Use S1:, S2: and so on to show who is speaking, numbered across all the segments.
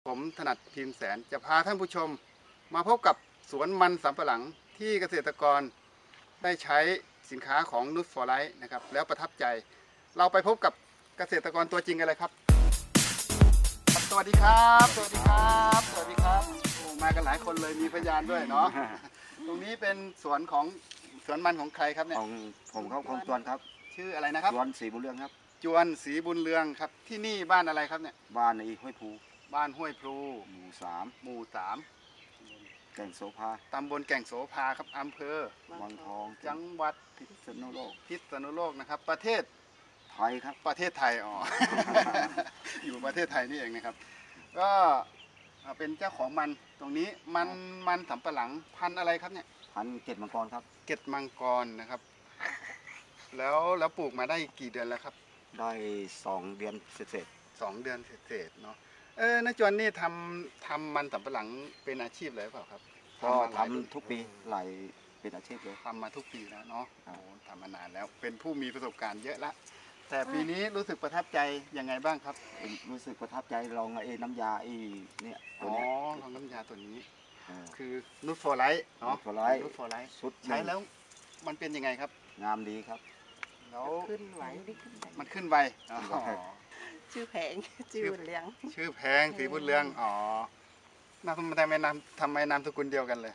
S1: ผมถนัดพิมพ์แสนจะพาท่านผู้ชมมาพบกับสวนมันสำปะหลังที่เกษตรกรได้ใช้สินค้าของนุชฟอร์ไลท์นะครับแล้วประทับใจเราไปพบกับเกษตรกรตัวจริงกันเลยครับสวัสดีครับสวัสดีครับสวัสดีครับโอ้มากันหลายคนเลยมีพยานด้วยเนาะตรงนี้เป็นสวนมันของใครครับเนี่ย
S2: ของผมครับของจวนครับ
S1: ชื่ออะไรนะครับ
S2: จวนศรีบุญเรืองครับ
S1: จวนศรีบุญเรืองครับที่นี่บ้านอะไรครับเนี่ย
S2: บ้านในห้วยภู
S1: บ้านห้วยพลู
S2: หมู่
S1: สาม
S2: แก่งโสภา
S1: ตำบลแก่งโสภาครับอำเภอ
S2: วังทอง
S1: จังหวัด
S2: พิษณุโลก
S1: นะครับประเทศ
S2: ไทยครับ
S1: ประเทศไทยอ๋อ อยู่ประเทศไทยนี่เองนะครับก็เป็นเจ้าของมันตรงนี้มันสำปะหลังพันธุ์อะไรครับเนี่ย
S2: พันเกตมังกรครับ
S1: เกตมังกรนะครับแล้วปลูกมาได้กี่เดือนแล้วครับ
S2: ได้2 เดือนเศษ
S1: 2 เดือนเศษเนาะนายจวนนี่ทำมันสำปะหลังเป็นอาชีพเลยเปล่าครับ
S2: ก็ทำทุกปีหลายเป็นอาชีพเลย
S1: ทำมาทุกปีแล้วเนาะโอ้ทำมานานแล้วเป็นผู้มีประสบการณ์เยอะละแต่ปีนี้รู้สึกประทับใจยังไงบ้างครับ
S2: รู้สึกประทับใจลองน้ำยาเนี่ย
S1: ตัวนี้ลองน้ำยาตัวนี้คือนูตฟอร์ไลท์เนาะ
S2: นูตฟอร์ไลท์
S1: ชุดใช้แล้วมันเป็นยังไงครับ
S2: งามดีครับ
S1: แล้ว
S3: ขึ้นไหว
S1: มันขึ้นไว
S3: ชื่อแผงชื่อบุญเรือง
S1: ชื่อแพงสีบุญเรืองอ๋อทำไมนามสกุลเดียวกันเลย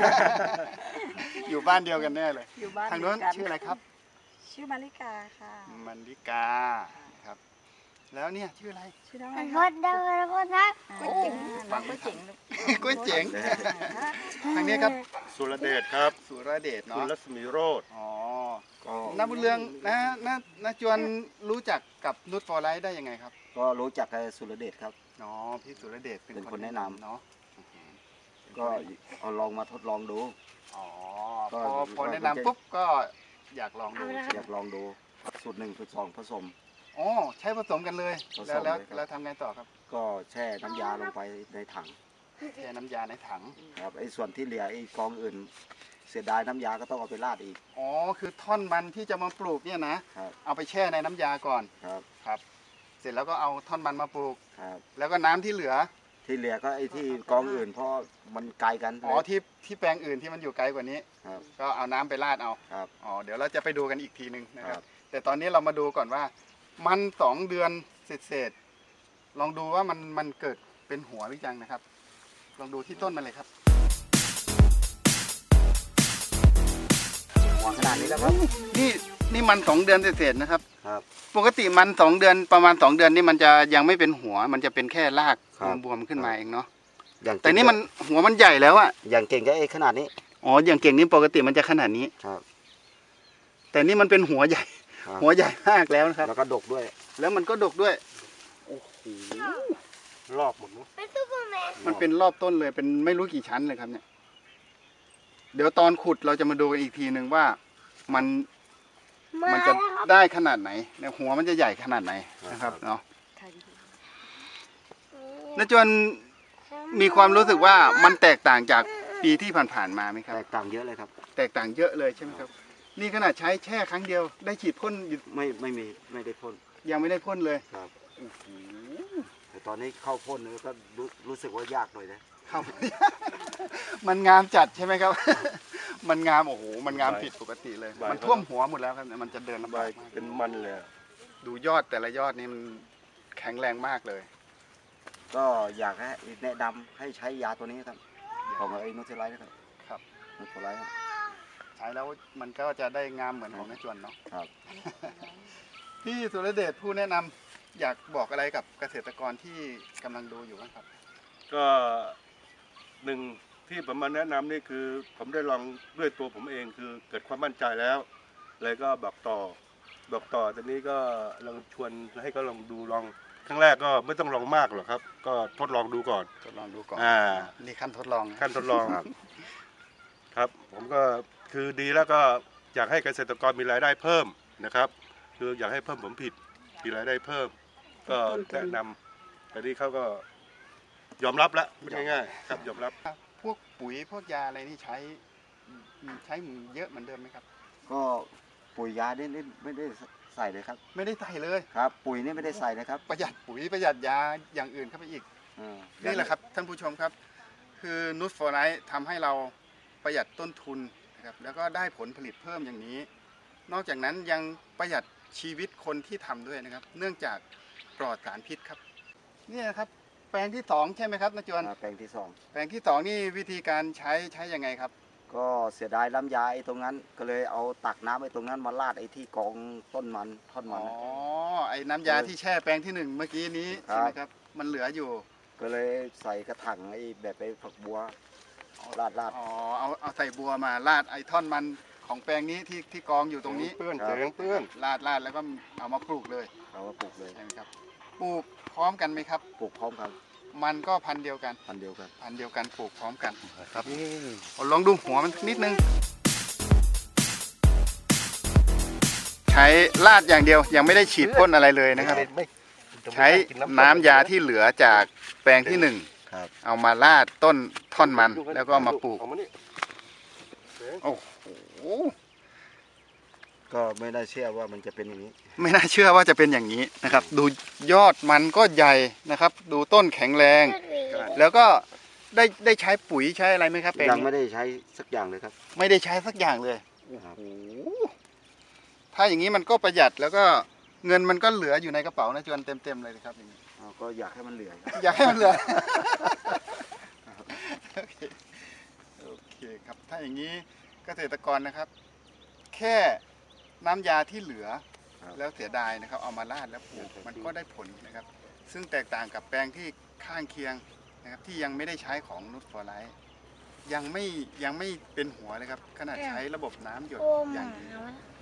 S1: อยู่บ้านเดียวกันแน่เลย
S3: อยู่บ้าน
S1: ทางโน้นชื่ออะไรครับ
S3: ชื่อมาริกาค่ะ
S1: มาริกาครับแล้วเนี่ยชื่ออะไร
S3: ชื่อน้องอะไร
S4: รถเดินรถนะ
S3: ก๋วยเจ๋งน้องก๋วยเจ๋ง
S1: ก๋วยเจ๋งทางนี้ครับ
S5: สุรเดชครับ
S1: สุรเดชเนาะ
S5: คุณรัศมีโรจน์
S1: อ๋อน้าบุญเรืองน้าจวนรู้จักกับนุชฟอร์ไลท์ได้ยังไงครับ
S2: ก็รู้จักสุรเดชครับ
S1: อ๋อพี่สุรเดช
S2: เป็นคนแนะนำ
S1: เนาะ
S2: ก็เอาลองมาทดลองดู
S1: อ๋อพอแนะนำปุ๊บก็อยากลอง
S2: ดูสูตร 1 สูตร 2ผสม
S1: อ๋อใช้ผสมกันเลยแล้วทำไงต่อครับ
S2: ก็แช่น้ำยาลงไปในถัง
S1: แช่น้ำยาในถัง
S2: ครับส่วนที่เหลือกองอื่นเสียดายน้ำยาก็ต้องเอาไปราดอีก
S1: อ๋อคือท่อนมันที่จะมาปลูกเนี่ยนะเอาไปแช่ในน้ำยาก่อนครับเสร็จแล้วก็เอาท่อนมันมาปลูกแล้วก็น้ำที่เหลือ
S2: ก็ที่กองอื่นเพราะมันไกลกัน
S1: อ๋อที่แปลงอื่นที่มันอยู่ไกลกว่านี้ก็เอาน้ำไปราดเอาอ๋อเดี๋ยวเราจะไปดูกันอีกทีนึงนะครับแต่ตอนนี้เรามาดูก่อนว่ามัน2 เดือนเศษลองดูว่ามันเกิดเป็นหัวหรือยังนะครับลองดูที่ต้นมันเลยครับ
S2: หัวขนาดนี้แล้วครับ
S1: นี่มัน2 เดือนเศษนะครับปกติมัน2 เดือนประมาณ2 เดือนนี่มันจะยังไม่เป็นหัวมันจะเป็นแค่รากบวมขึ้นมาเองเนาะแต่นี่มันหัวมันใหญ่แล้วอะ
S2: อย่างเก่งก็ขนาดนี้
S1: อ๋ออย่างเก่งนี่ปกติมันจะขนาดนี้แต่นี่มันเป็นหัวใหญ่มากแล้วนะครับ
S2: แล้วก็ดกด้วย
S1: แล้วมันก็ดกด้วยโอ้โห
S5: รอบหมด
S1: มันเป็นรอบต้นเลยเป็นไม่รู้กี่ชั้นเลยครับเนี่ยเดี๋ยวตอนขุดเราจะมาดูกันอีกทีหนึ่งว่ามันจะได้ขนาดไหนเนี่ยหัวมันจะใหญ่ขนาดไหนนะครับเนาะแล้วจนมีความรู้สึกว่ามันแตกต่างจากปีที่ผ่านๆมาไหมครับ
S2: แตกต่างเยอะเลยครับ
S1: แตกต่างเยอะเลยใช่ไหมครับนี่ขนาดใช้แช่ครั้งเดียวได้ฉีดพ่น
S2: ไม่ได้พ่น
S1: ยังไม่ได้พ่นเลย
S2: ครับแต่ตอนนี้เข้าพ่นก็รู้สึกว่ายากหน่อยนะครับ
S1: มันงามจัดใช่ไหมครับมันงามโอ้โหมันงามผิดปกติเลยมันท่วมหัวหมดแล้วครับมันจะเดินลำบาก
S5: เป็นมันเลย
S1: ดูยอดแต่ละยอดนี่มันแข็งแรงมากเลย
S2: ก็อยากให้แนะนำให้ใช้ยาตัวนี้ครับของนูเทลไลท์นะครับนูเทลไลท์
S1: ใช้แล้วมันก็จะได้งามเหมือนของนายจวนเนาะ
S2: ครับ
S1: พี่สุรเดชผู้แนะนำอยากบอกอะไรกับเกษตรกรที่กำลังดูอยู่บ้างครับ
S5: ก็หนึ่งที่ผมมาแนะนำนี่คือผมได้ลองด้วยตัวผมเองคือเกิดความมั่นใจแล้วเลยก็บอกต่อตอนนี้ก็ลองชวนให้เขาลองดูครั้งแรกก็ไม่ต้องลองมากหรอกครับก็ทดลองดูก่อน
S1: นี่ขั้นทดลอง
S5: ครับผมก็คือดีแล้วก็อยากให้เกษตรกรมีรายได้เพิ่มนะครับคืออยากให้เพิ่มผลผลิตมีรายได้เพิ่มก็แนะนำแต่นี่เขาก็ยอมรับแล้วง่ายๆครับยอมรับ
S1: พวกปุ๋ยพวกยาอะไรนี่ใช้เยอะเหมือนเดิมไหมครับ
S2: ก็ปุ๋ยยานี่ไม่ได้ใส่เลยครับ
S1: ไม่ได้ใส่เลย
S2: ครับปุ๋ยนี่ไม่ได้ใส่เลยครับ
S1: ประหยัดปุ๋ยประหยัดยาอย่างอื่นเข้าไปอีกนี่แหละครับท่านผู้ชมครับ คือนูตฟอร์ไลท์ทำให้เราประหยัดต้นทุนนะครับแล้วก็ได้ผลผลิตเพิ่มอย่างนี้ นอกจากนั้นยังประหยัดชีวิตคนที่ทำด้วยนะครับ เนื่องจากปลอดสารพิษครับนี่นะครับแปลงที่ 2 ใช่ไหมครับนาจวน
S2: แปลงที่สอง
S1: แปลงที่ 2 นี่วิธีการใช้ยังไงครับ
S2: ก็เสียดายน้ำยาไอ้ตรงนั้น ก็เลยเอาตักน้ำไอ้ตรงนั้นมาราดไอ้ที่กองต้นมันท่อน
S1: อ๋
S2: มั
S1: อน
S2: นะ
S1: ไอ้น้ำยาที่แช่แปลงที่ 1 เมื่อกี้นี้
S2: ครับ
S1: ใช่ไหมครับมันเหลืออยู่
S2: ก็เลยใส่กระถางไอ้แบบไอ้ฝักบัวราด
S1: อ๋อเอาใส่บัวมาราดไอ้ท่อนมันของแปลงนี้ที่กองอยู่ตรงนี้
S5: เปื้อนเสียงเปื้อน
S1: ราดแล้วก็เอามาปลูกเลย
S2: เอามาปลูกเลย
S1: ใช่ไหมครับปลูกพร้อมกันไหมครับ
S2: ปลูกพร้อมกัน
S1: มันก็พันธุ์เดียวกัน
S2: พันธุ์เดียวกัน
S1: พันธุ์เดียวกันปลูกพร้อมกันครับ
S5: นี่
S1: ลองดูหัวมันนิดนึง ใช้ราดอย่างเดียวยังไม่ได้ฉีดพ่นอะไรเลยนะครับ
S5: ไม่
S1: ใช้น้ำยาที่เหลือจากแปลงที่
S2: ครับ
S1: 1 เอามาราดต้นท่อนมันแล้วก็เอามาปลูก
S5: เอมานี่
S1: โอ้โห
S2: ก็ไม่ได้เชื่อว่ามันจะเป็นอย่างนี้
S1: ไม่น่าเชื่อว่าจะเป็นอย่างนี้นะครับ ดูยอดมันก็ใหญ่นะครับ ดูต้นแข็งแรง แล้วก็ได้ใช้ปุ๋ยใช้อะไรไหมครับแปลง
S2: ยัง
S1: นี้
S2: ไม่ได้ใช้สักอย่างเลยครับ
S1: ไม่ได้ใช้สักอย่างเลย
S2: ครับ
S1: โอ้โหถ้าอย่างนี้มันก็ประหยัดแล้วก็เงินมันก็เหลืออยู่ในกระเป๋านะจวนเต็มเลยนะครับอย่างนี้
S2: ก็อยากให้มันเหลือครับ
S1: อยากให้มันเหลือ โอเคครับ ถ้าอย่างนี้เกษตรกรนะครับ แค่น้ำยาที่เหลือ
S2: ครับ
S1: แล้วเสียดายนะครับ เอามาราดแล้วปลูกมันก็ได้ผลนะครับ ซึ่งแตกต่างกับแปลงที่ข้างเคียงนะครับ ที่ยังไม่ได้ใช้ของนูตฟอร์ไลท์ยังไม่เป็นหัวเลยครับ ขนาดใช้ระบบน้ำหยด
S4: โอ้ห
S1: อ
S4: มา
S1: ย่างดี
S4: วะ